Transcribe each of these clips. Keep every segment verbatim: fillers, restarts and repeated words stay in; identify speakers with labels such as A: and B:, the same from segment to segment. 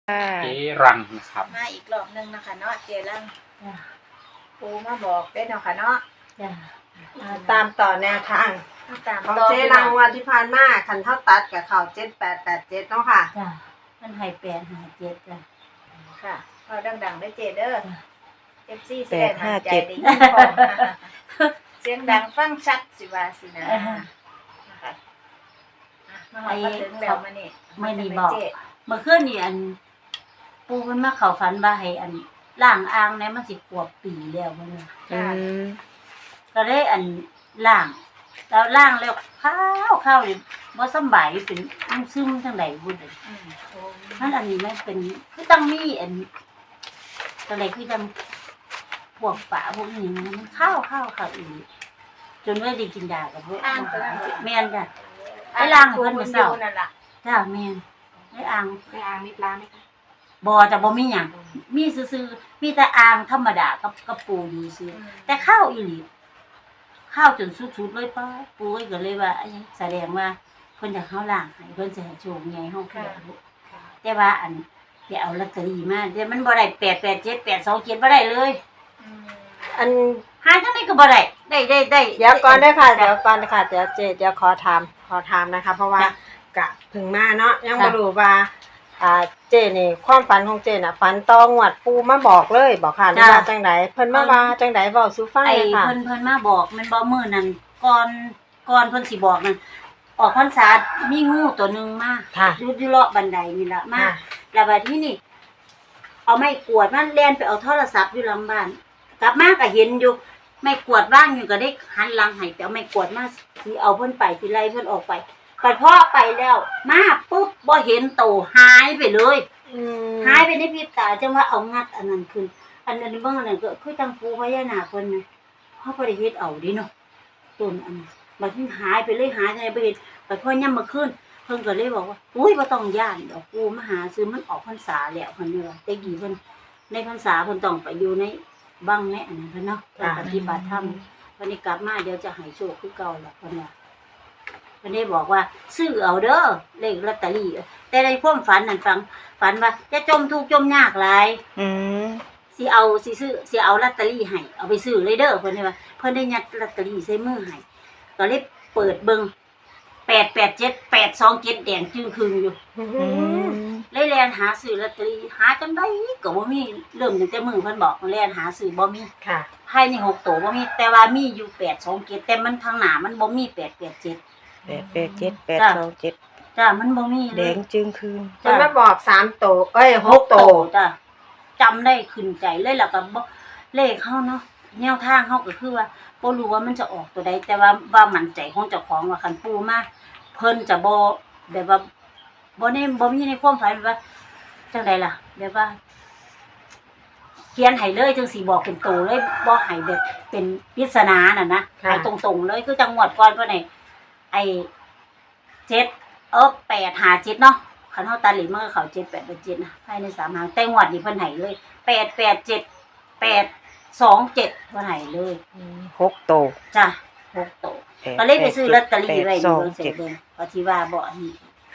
A: เจรังนะครับ
B: มาอีกรอบหนึ่งนะคะเนาะเจรังปูมาบอกได้เนาะค่ะเนาะ
C: ตามต่อแนวทางของเจรังวันที่ผ่านมาคันเท่าตัดกับเขาเจ็ดแปดแปดเจ็ดเนาะค่ะ
D: จ้ะมันให้แปดหาเจ็ดจ้ะ
B: ค่ะเอาดังๆได้เจเด้อเอฟซีแสดงมั่นใจได้ยินพร้อมเสียงดังฟังชัดสิว่าสินะนะคะมาหอดมาถึงแล้วมานี่
D: ไม่มีบอกเมื่อคืนนี่อันปูเพิ่นมาเข้าฝันว่าให้อันล้างอ่างเนี่ยมันสิขวบปีแล้วเพิ่นว่า
C: อืม
D: ก็เลยอันล้างแล้วล้างแล้วข้าวข้าวนี่บ่สำบายเป็นซึมจังได๋บ่ได้
B: อืมโอ้
D: มันอันนี้มันเป็นคือต้องมีอันจังได๋คือจังพวกปลาพวกนี้มันข้าวข้าวข้าวอีกจนว่าได้กินยากับพวกแม่นจ้ะไอ้ล้างให้เพิ่นมื้อเช้านั่นล่ะจ้ะแม่นไอ้อ่าง
B: ไอ้อ่างมีปลามั้ยคะ
D: บ่จะบ่มีหยังมีซื่อๆมีแต่อ่างธรรมดากับกับปูดีซื่อแต่ข้าวอีหลีข้าวจนสุดๆเลยป้าปูก็เลยว่าอันนี้แสดงว่าเพิ่นอยากเฮาล้างให้เพิ่นสิให้โชคใหญ่เฮาคือแต่ว่าอันไปเอาลอตเตอรี่มาแต่มันบ่ได้แปด แปด เจ็ด แปด สอง เจ็ดบ่ได้เลย
C: อัน
D: หาจังได๋ก็บ่ได้ได้ได้ได้
C: เดี๋ยวก่อนเด้อค่ะเดี๋ยวก่อนค่ะเดี๋ยวเจเดี๋ยวขอถามขอถามนะคะเพราะว่ากะเพิ่งมาเนาะยังบ่รู้ว่าอ่าเจนี่ความฝันของเจน่ะฝันต่องวดปูมาบอกเลยบอกค่ะหรือว่าจังได๋เพิ่นมาว่าจังได๋เว้าสู่ฟังเลยค่ะ
D: ไอ้เพิ่นเพิ่นมาบอกมันบ่มื้อนั้นก่อนก่อนเพิ่นสิบอกนั่นออกพรรษามีงูตัวนึงมาอยู่อยู่เลาะบันไดนี่ล่ะมาแล้วบัดนี้นี่เอาไม้กวาดมันแล่นไปเอาโทรศัพท์อยู่หลังบ้านกลับมาก็เห็นอยู่ไม้กวาดว่างอยู่ก็ได้หันหลังให้ไปเอาไม้กวาดมาสิเอาเพิ่นไปสิไล่เพิ่นออกไปบัดพอไปแล้วมาปุ๊บบ่เห็นโตหายไปเลย
C: อืม
D: หายไปในพริบตาจังว่าเอางัดอันนั้นขึ้นอันนั้นเบิ่งอันนั้นก็คือจังปูพญานาคเพิ่นน่ะเฮาบ่ได้เฮ็ดเอาดิเนาะต้นอันบัดนี้หายไปเลยหายจังได๋บ่เห็นบัดพอยามมื้อคืนเพิ่นก็เลยบอกว่าอุ้ยบ่ต้องย้านดอกปูมาหาซื้อมันออกพรรษาแล้วเพิ่นว่าแต่กี้เพิ่นในพรรษาเพิ่นต้องไปอยู่ในบังในอันนั้นเพิ่นเนาะปฏิบัติธรรมวันนี้กลับมาเดี๋ยวจะให้โชคคือเก่าล่ะเพิ่นว่าเพิ่นได้บอกว่าซื้อเอาเด้อเลขลอตเตอรี่แต่ในความฝันนั่นฟังฝันว่าจะจมทุกข์จมยากหลาย
C: อืม
D: สิเอาสิซื้อสิเอาลอตเตอรี่ให้เอาไปซื้อเลยเด้อเพิ่นได้ว่าเพิ่นได้ยัดลอตเตอรี่ใส่มือให้ก็เลยเปิดเบิ่งแปด แปด เจ็ด แปด สอง เจ็ดแดงจึงครึงอยู่เลยแล่นหาซื้อลอตเตอรี่หาจังได๋ก็บ่มีเริ่มตั้งแต่มื้อเพิ่นบอกแล่นหาซื้อบ่มี
C: ค่ะ
D: ภายในหกตัวบ่มีแต่ว่ามีอยู่แปด สอง เจ็ดแต่มันทางหน้ามันบ่มีแปด แปด เจ็ด
E: แปด แปด เจ็ด แปด สอง เจ็ด
D: จ้ะมันบ่มี
E: แดงจึงคืน
C: เพิ่นมาบอกสามโตเอ้ยหกโต
D: จ้ะจำได้ขึ้นใจเลยแล้วก็บ่เลขเฮาเนาะแนวทางเฮาก็คือว่าบ่รู้ว่ามันจะออกตัวใดแต่ว่าว่ามั่นใจของเจ้าของว่าคันปูมาเพิ่นจะบ่แบบว่าบ่ได้บ่มีในความฝันว่าจังได๋ล่ะแบบว่าเขียนให้เลยจังสิบอกเป็นโตเลยบ่ให้แบบเป็นปริศนาน่ะนะให้ตรงๆเลยคือจังหวัดก่อนเพิ่นให้ไอ้เจ็ดเออแปด ห้า เจ็ดเนาะคันเฮาตัดเลขมันก็เข้าเจ็ด แปด เจ็ดนะภายในสามหางแต่งวดนี้เพิ่นให้เลยแปด แปด เจ็ด แปด สอง เจ็ดเพิ่นให้เลย
E: หกโต
D: จ้ะหกโตก็เลยไปซื้อลอตเตอรี่ไว้อยู่เสร็จเลยก็ที่ว่าบ่นี่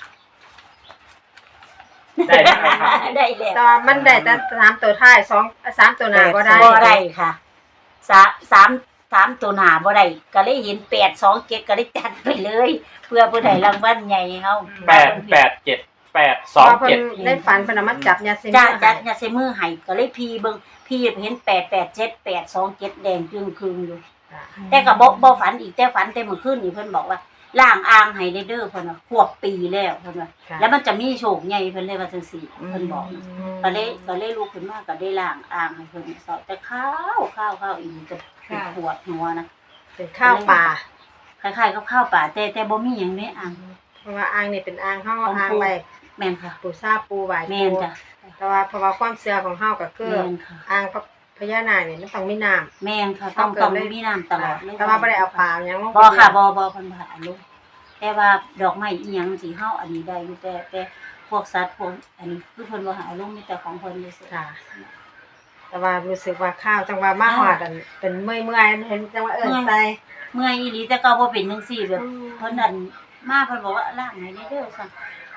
A: ได้แล้วครับ
D: ได้แล้ว
C: แต่ว่ามันได้แต่สามตัวท้ายสองสามตัวหน้าบ่ได้
D: บ่ได้ค่ะสาม สาม สามตัวหน้าบ่ได้ก็เลยเห็นแปด สอง เจ็ดก็เลยจัดไปเลยเพื่อผู้ใดรางวัลใหญ่เฮา
A: แปด แปด เจ็ด แปด สอง เจ็ด
C: ได้ฝันเพิ่นเอามาจับยาเสพติด
D: จ้ะจับยาเสพมือให้ก็เลยพีเบิ่งพี่เห็นแปด แปด เจ็ด แปด สอง เจ็ดแดงจึงครึงอยู่แต่ก็บ่บ่ฝันอีกแต่ฝันแต่เมื่อคืนนี่เพิ่นบอกว่าล้างอ่างให้เด้อเพิ่นว่าควบปีแล้วเพิ่นว่าแล้วมันจะมีโชคใหญ่เพิ่นเลยว่าจังซี่เพิ่นบอกก็เลยก็เลยลุกขึ้นมาก็ได้ล้างอ่างให้เพิ่นซอยแต่ข้าวข้าวข้าวอีกก็ปวดหัวนะ
C: เป็นข้าวป่า
D: คล้ายๆกับข้าวป่าแต่แต่บ่มีหยังในอ่าง
C: เพราะว่าอ่างนี่เป็นอ่างเฮาอ่างไว้
D: แม่นค่ะ
C: ปูซาปูไหว้
D: แม่นจ้ะ
C: แต่ว่าเพราะว่าความเชื่อของเฮาก็คืออ่างพญานาคนี่มันต้องมีน้ำ
D: แม่นค่ะต้องต้องมีน้ำตลอด
C: แต่ว่าบ่ได้เอาปลาหยังลง
D: บ่ค่ะบ่บ่เพิ่นบ่เอาลงแต่ว่าดอกไม้อีหยังสิเฮาอันนี้ได้อยู่แต่แต่พวกสัตว์พวกอันนี้คือเพิ่นบ่ให้เอาลงมีแต่ของเพิ่นซื่อ
C: ค่ะแต่ว่ารู้สึกว่าข้าวจังว่ามาฮอดอันเป็นเมื่อยๆเห็นจังว่าเอิ้นใส่
D: เมื่อยอีหลีแต่ก็บ่เป็นจังซี่แบบเพิ่นนั่นมาเพิ่นบอกว่าล้างให้เด้อซั่น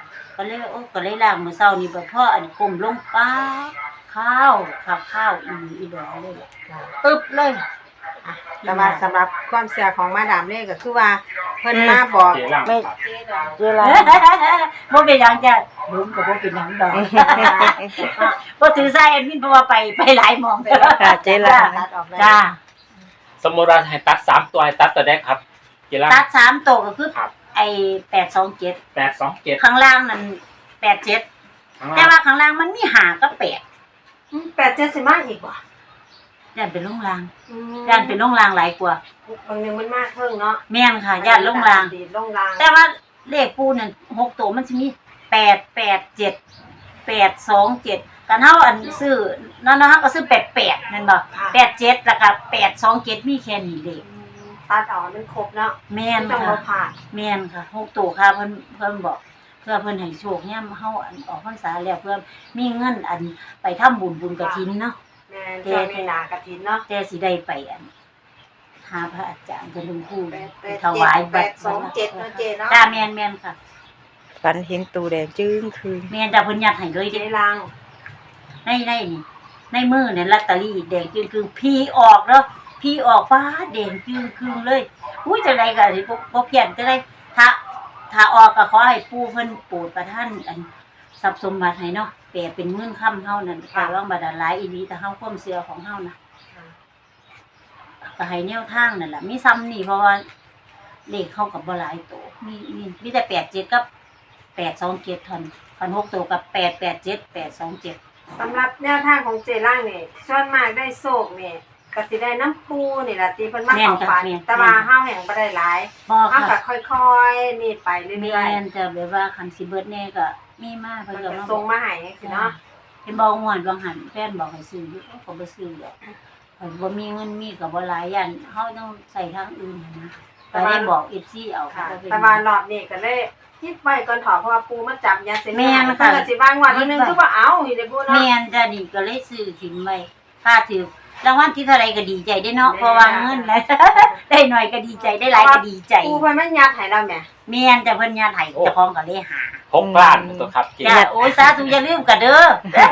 D: ก็เลยว่าโอ้ก็เลยล้างมื้อเช้านี่บ่พออันก้มลงป๊าบข้าวข้าวข้าวอีหลีอีดอเลยล่ะตึ๊บเลย
C: อ่ะแต่ว่าสำหรับความเชื่อของมาดามเล่ก็คือว่าเพิ่นมาบอก
A: เจรัง
E: ไม่
A: ครับ
B: เจ๊ดอง
E: เวลา
D: บ่เป็นหยังจ้ะลุงก็บ่เป็นหยังดอกบ่ถือสายแอดมินเพราะว่าไปไปหลายหม่อง
E: ค่ะเจรัง
C: ตัดออกเลย
D: จ้า
A: สมมติว่าให้ตัดสามตัวให้ตัดตัวแรกครับเจรัง
D: ตัดสามตัวก็คือ
A: ครับ
D: ไอ้แปดสองเจ็ด
A: แปดสองเจ็ด
D: ข้างล่างนั่นแปดเจ็ด
A: ข้าง
D: แต่
A: ล่าง
D: ว่าข้างล่างมันมีหาก็แปด
C: อืมแปดเจ็ดสิมาอีกบ่
D: ย่านเป็นลงราง
C: อืม
D: ย่านเป็นลงรางหลายกว่า
C: บางนึงมันมากเพิ่งเนาะ
D: แม่นค่ะย่านลงราง
C: ดีลงราง
D: แต่ว่าเลขปูนั่นหกตัวมันจะมีแปดแปดเจ็ดแปดสองเจ็ดกันเท่าอันซื้อนั่นนะคะก็ซื้อแปดแปดนั่นบ่แปดเจ็ดแล้วก็แปดสองเจ็ดมีแค่นี้เลข
C: อืมตัดออกมันครบเนาะ
D: แม่น
C: ไม่ต้อง
D: ค่ะ
C: มาผ่าน
D: แม่นค่ะหกตัวค่ะเพิ่นเพิ่นบอกเพื่อเพิ่นให้โชคเนี่ยเฮาอันออกพรรษาแล้วเพื่อมีเงินอันไปทำบุญบุญกฐินเนาะ
C: แม่นช่วงนี้หนากฐินเนาะ
D: แต่สิได้ไปอันหาพระอาจารย์เป็นหลวงปู่
B: แปดแป
D: ไป
B: ด
D: ถวาย
B: แป
D: บัต
B: ด
D: ร
B: สองเจ็ดเนาะเจ๊เนาะ
D: จ้าแม่นแม่นค่ะ
E: ฝันเห็นตูแดงจึ้งคืน
D: แม่นจ้าเพิ่นยัดให้เลย
C: เจ
D: เด้
C: รัง
D: ในในนี่ในมือเนี่ยลอตเตอรี่แดงจึงคือพี่ออกเนาะพี่ออกฟ้าแดงจึงคือเลยอุ้ยจังได๋ก็สิบ่บ่เพี้ยนจังได๋ถ้าถ้าออกก็ขอให้ปู่เพิ่นโปรดประทานอันทรัพย์สมบัติให้เนาะแปลเป็นเงินค่ำเฮานั่นค่ะร้องบาดาลหลายอีหลีแต่เฮาความเชื่อของเฮานะก็ให้แนวทางนั่นล่ะมีซ้ำนี่เพราะว่าเลขเข้ากับบ่หลายตัวมีมีมีแต่แปดเจ็ดกับแปดสองเจ็ดเท่านั้นคันหกตัวกับแปดแปดเจ็ด แปดสองเจ็ด
C: สำหรับแนวทางของเจรังนี่ส่วนมากได้โชคนี่ก็สิได้น้ำปูนี่ล่ะที่เพิ่นมาเข้าฝันแต่ว่าเฮาแห่งบ่ได้หลาย
D: บ่
C: เฮา
D: ค่ะ
C: ก็ค่อยๆนี่ไป
D: แม่
C: เรื่อย
D: นจะแบบว่าคันสิเบิดแน่ก็มีมา
C: ๆ
D: เพิ่
C: มัน
D: นก็
C: ก็
D: มา
C: ส่งมาให้จังซี่เนาะ
D: เห็นบอกม่วนบางหันแฟนบอกให้ซื้ออยู่เอ้าก็บ่ซื้อดอกเพิ่นบ่มีเงินมีก็บ่หลายย่านเฮาต้องใช้ทางอื่นหั้นนะก็ได้บอก เอฟ ซี เอา
C: ค่ะ
D: ก็เป็น
C: แต่ว่ารอบนี้ก็เลยคิดไว้ก่อนถอเพราะว่าปูมาจับยาเสพติด
D: แม่น
C: เพิ่
D: ค่ะ
C: นก็สิว่างวันวันหนึงคือว่าเอาอีเด้อปูเนาะ
D: แม่นจ้ะนี่ก็เลยซื้อถิ่นไว้ถ้าถือรางวัลที่เท่าไหร่ก็ดีใจได้เนาะเพราะว่าเงินแล้ว ได้หน่อยก็ดีใจได้หลายก็ดีใจ
C: ปูเพิ่นมายัดให้เราแหม
D: แม่นจ้ะเพิ่นญาติให้เจ้าของก็เลยหา
A: หกล้านตัวครับเจ
D: จ้ะโอ้ยสาธุอย่าลืมกันเด้อ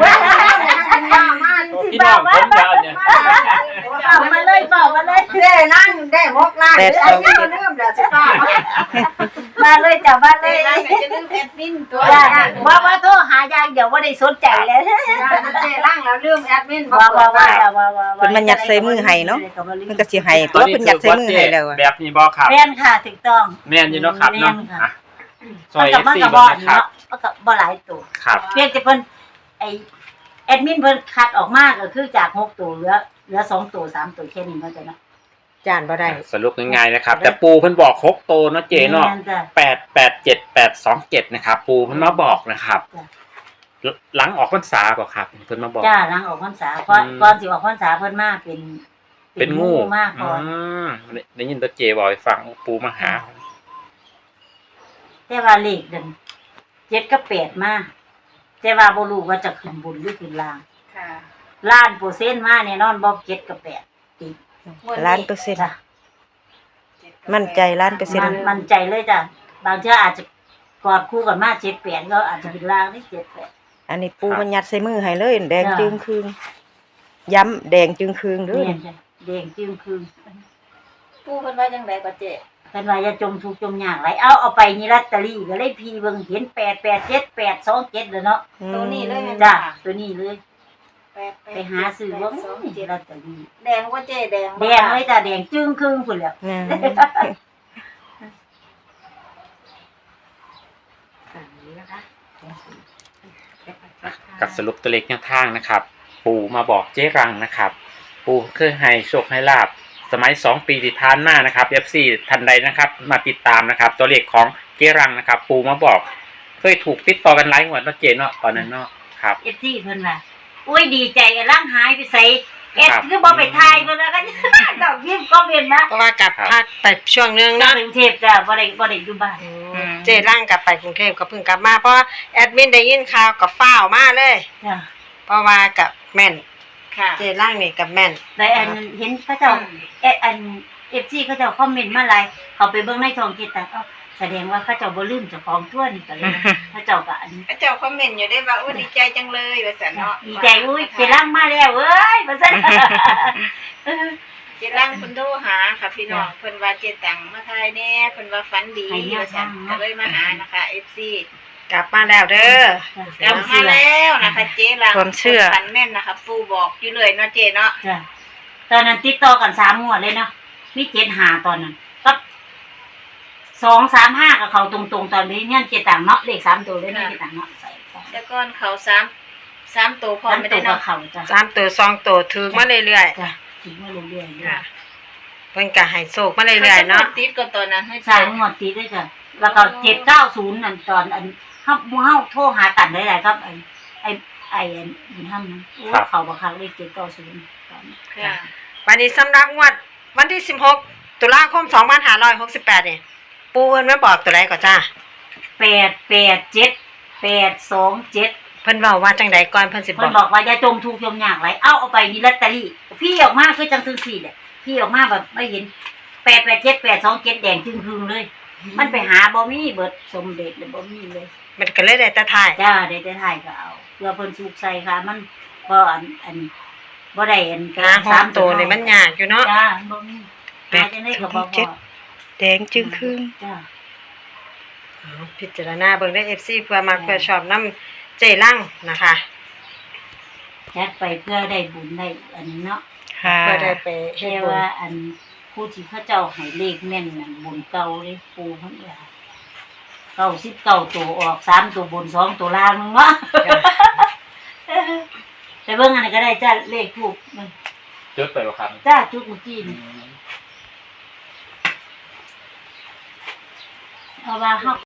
A: พี่น้องผมยาวเนี่ย
D: เฝ้ามาเลยเฝ้ามาเลย
C: ได้นั่งได้หกล้าน
E: แปด
C: เด้
E: ส
C: อ
E: อง
C: อันนี้ก็ลืมแล้วสิป้า
D: มาเลยจ้ะมาเล
B: เจ๊
D: ย
B: รังก็จะลืมแอดมินตัว
D: จ้ะว่าว่าโทรหาอย่างเดี๋ยวบ่ได้สนใจเลย
C: ได้มันเจร่างแล้วลืมแอดมินบ่
D: ว่า
C: เปิ
D: ว่า
C: ด
D: ว่า
C: ไว้
D: ว่าว่าว่า
E: เพิ่นมันยัดใส่มือให้เนาะมันก็สิให้ตัวเพิ่นยัดใส่มือให้แล้วอะ
A: แบบนี้บ่ครับ
D: แม่นค่ะถูกต้อง
A: แม่นอยู่เนาะครับเนาะ
D: แม่นค่ะ
A: อ่ะซ
D: มั
A: อน ย
D: กับมัน
A: ซี
D: กับ
A: บ่
D: บ่อน
A: นะครับ
D: เนาะมันกับบ่หลายตัว
A: ครับ
D: เพียงแต่เพิ่นไอแอดมินเพิ่นคัดออกมาก็คือจากหกตัวเหลือเหลือสองตัวสามตัวแค่นี้เนาะจ้ะเนาะ
C: จานบ่ได้
A: สรุปง่ายๆนะครับ แต่ปูเพิ่นบอกหกโตวเนาะเจเนาะ
D: แม่จ้ะ
A: แปดแปดเจ็ดแปดสองเจ็ดนะครับปูเพิ่นมาบอกนะครับ
D: จ้ะ
A: หลังออกพรรษาบอกครับเพิ่นมาบอก
D: จ้าหลังออกพรรษาก่อน
A: อืม
D: ก่อนสิออกพรรษาเพิ่นมาเป็น
A: เป็นงู
D: มากก่อน
A: อืมได้ยินตัวเจบอกให้ฟังปูมาหา
D: แต่ว่าเลขเดินเจ็ดกับแปดมาแต่ว่าบ่รู้ว่าจะขึ้นบนหรือขึ้นล่าง
B: ค่ะ
D: ล้านเปอร์เซ็นต์มาแน่นอนบ่เจ็ดกับแปดติด
E: ล้านเปอร์เซ็นต์
D: จ้ะ
E: มั่นใจล้านเปอร์เซ็นต์
D: มันมันใจเลยจ้ะบางเทื่ออาจจะกอดคู่กันมาเจ็ดแปดก็อาจจะเป็นล่างได้เจ็ดแปด
E: อันนี้ปูมันยัดใส่มือให้เลยแดง
D: จ้ะ
E: จึงคืนย้ำแดงจึงคืนเด้อ
D: แม่นจ้ะแดงจึงคือ
B: ปูเพิ่นว่าจังไดก็เจ๊
D: เป็นว่าอย่าจมทุกข์จมยากไรเอาเอาไปนี่ลอตเตอรี่ก็เลยพีเบิ่งเห็นแปดแปดเจ็ดแปดสองเจ็ดเลยเนาะ
B: ตัวนี้เลยแม่น
D: จ้ะ
B: ค่ะ
D: ตัวนี้เลย
B: แปดแปด
D: ไปหาซื้อว่า
B: แปดสอง
D: นี่
B: เจ็ด
D: ลอตเตอรี่
B: แดงว่าเจ๊แดง
D: แดงเลยจ้ะแดงจึ้งครึ่งพุ่นแหล้ว
E: อืม
C: อันนี้นะคะ
A: กับสรุปตัวเลขแนวทางนะครับ ปู่มาบอกเจ๊รังนะครับ ปู่เคยให้โชคให้ลาบสมัยสองปีที่ผ่านมานะครับ เอฟ ซี ทันใดนะครับ มาติดตามนะครับ ตัวเลขของเจ๊รังนะครับ ปู่มาบอก เคยถูกติดต่อกันหลายงวดเนาะเจเนาะตอนนั้นเนาะครับ
D: เอฟซีเพิ่นว่าอุ้ยดีใจกันร่างหายไปใส่เอ็ด
A: ครับ
D: คือบ่ไปทายเพิ่นแล้วกัน ดอกยิ้มก็เป็นนะ
C: เพราะว่ากลับ
A: ครับ
C: ภาคไปช่วงนึง
D: นอ
C: เนาะ
D: นกรุงเทพจ้ะบ่ได้บ่ได้อยู่บ้าน
C: เจร่างกลับไปกรุงเทพก็เพิ่งกลับมาเพราะว่าแอดมินได้ยินข่าวกับฟ้าวมาเลย
D: จ้ะ
C: เพราะว่ากับแม่น
B: ค่ะ
C: เจร่างนี่กับแม่น
D: แต่อันเห็นเขาเจ้าเอดอัน เอฟ ซี เขาเจ้าคอมเมนต์มาหลายเขาไปเบิ่งในช่องคิดแต่เอ้าแสดงว่าเขาเจ้าบ่ลืมเจ้าของตัวนี่ก็เลยเขาเจ้าก็อัน
B: พระเจ้าคอมเมนต์อยู่ได้ว่าอุ้ยดีใจจังเลยว่าสันเนาะ
D: ดีใจอุ้ยเจรังมาแล้วเอ้ยว่าซั่น
B: เจรังเพิ่นโทรหาค่ะพี่น้องเพิ่นว่าเจตังมาทายแน่เพิ่นว่าฝันดีว่าสันก็เลยมาหานะคะ เอฟ ซี
C: กลับมาแล้วเด้อก
B: ลับมาแล้วนะคะเจรัง
E: ความเชื่อ
B: ฝันแม่นนะคะปู่บอกอยู่เลยเนาะเจเนาะ
D: จ้ะตอนนั้นติดต่อกันสามงวดเลยเนาะมีเจ็ดหาตอนนั้นก็สองสามห้ากับเขาตรงๆตอนนี้เนี่ยเจ็ดต่างเนาะเลขสามตัวเลยเนี่ยเจ็ดต่างเนาะใส่ก่อน
B: แต่ก่อนเขาสามสามตัวพอ
D: สาม
B: ไม่
D: ตั
B: ได้
D: วกับ
B: เนาะ
D: เขาจ้ะ
C: สามตัวสองตัวถือมาเรื่อย
D: จ้ะถึงมาเรื่อยๆ
C: ๆ
D: เรื่อ
C: ค่ะ
D: ย
C: เพิ่นก็ให้โชคมาเรื่อยๆเนาะ
B: ติดก็ตอนนั้นให้
D: สามงวดติดด้วยจ้ะแล้วก็เจ็ดเก้าศูนย์นั่นตอนอันเฮาเฮาโทรหากันได้หลายครับไอ้ไอ้ไอ้อันบุญธรรมนั้นโอ้เขาบ่คักเลขเจ็ดเก้าศูนย์ตอนนี้
B: ค่ะ
C: วันนี้สำหรับงวดวันที่สิบหกตุลาคมสองพันห้าร้อยหกสิบแปดนี่ปูเพิ่นมาบอกตัวใดก่อนจ้า
D: แปดแปดเจ็ดแปดสองเจ็ด
C: เพิ่นเว้าว่าจังใดก่อนเพิ่นสิบ
D: เพิ่
C: อน ก
D: บอกว่าอย่าจมทุกข์จมยากไรเอาเอาไปนี่ลอตเตอรี่พี่ออกมาคือจังซื่อสี่แหละพี่ออกมาแบบไม่เห็นแปดแปดเจ็ดแปดสองเจ็ดแดงจึงคืงเลย มันไปหาบ่มีเบิดสมเด็จเลยบ่มีเลย
C: มันก็เลยได้แต่ถ่าย
D: จ้าได้แต่ถ่ายก็เอาเพื่อเพิ่นสุกใส่ค่ะ มันบ่อันอันบ่ได้อัน
C: หาหอมตัวนี่มันยากอยู่เนาะ
D: จ้าบ่มีหาจังได๋ก็บ่พอ
E: แดงจึงครึ่ง
D: จ้า
C: เอาพิจารณาเบิ่งได้ เอฟ ซี เพื่อมักเพื่อชอบนํเจลังนะคะ
D: จัดไปเพื่อได้บุญได้อันนี้เนาะ
E: ค่ะ
C: เพื่อได้ไปเฮ็ด
D: แต่
C: บุญ
D: ว่าอันผู้ที่เขาเจ้าให้เลขแม่นนั่นบุญเก่าเลยปูเพิ่นว่าเก้าสิบเก้าตัวออกสามตัวบนสองตัวล่างนึงเนาะ แต่เบิ่งอันนี้ก็ได้จ้าเลขถูกมัน
A: จดไปบ่ครับ
D: จ้าจุดเมื่อกี้นี่เพราะว่าเฮา